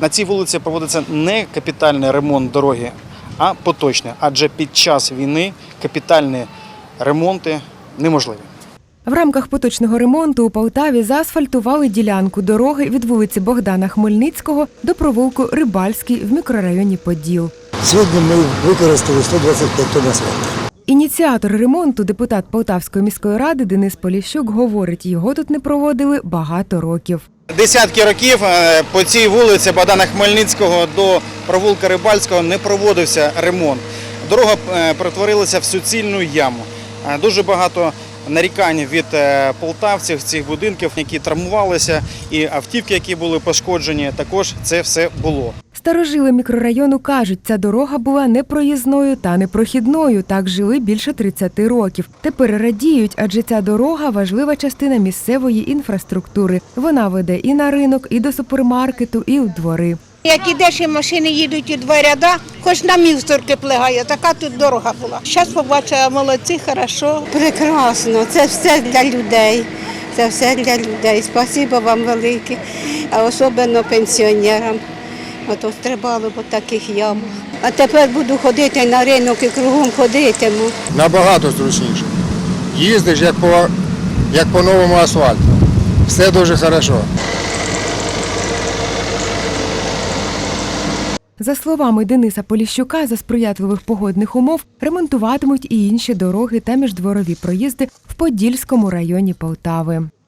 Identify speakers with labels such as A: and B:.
A: На цій вулиці проводиться не капітальний ремонт дороги, а поточний, адже під час війни капітальні ремонти неможливі.
B: В рамках поточного ремонту у Полтаві заасфальтували ділянку дороги від вулиці Богдана Хмельницького до провулку Рибальський в мікрорайоні Поділ.
C: Сьогодні ми використали 125 тонн асфальту.
B: Ініціатор ремонту, депутат Полтавської міської ради Денис Поліщук, говорить, його тут не проводили багато років.
A: Десятки років по цій вулиці Богдана Хмельницького до провулка Рибальського не проводився ремонт. Дорога перетворилася в суцільну яму. Дуже багато нарікань від полтавців цих будинків, які травмувалися, і автівки, які були пошкоджені, також це все було.
B: Старожили мікрорайону кажуть, ця дорога була непроїзною та непрохідною. Так жили більше 30 років. Тепер радіють, адже ця дорога – важлива частина місцевої інфраструктури. Вона веде і на ринок, і до супермаркету, і у двори.
D: Як ідеш, і машини їдуть у два ряда, хоч на мівсторки плигає, така тут дорога була. Зараз побачила, молодці, хорошо.
E: Прекрасно, це все для людей. Це все для людей. Спасибо вам велике, а особливо пенсіонерам. Ото стрибали по таких ямах. А тепер буду ходити на ринок і кругом ходитиму.
F: Набагато зручніше. Їздиш як по новому асфальту. Все дуже добре.
B: За словами Дениса Поліщука, за сприятливих погодних умов ремонтуватимуть і інші дороги та міждворові проїзди в Подільському районі Полтави.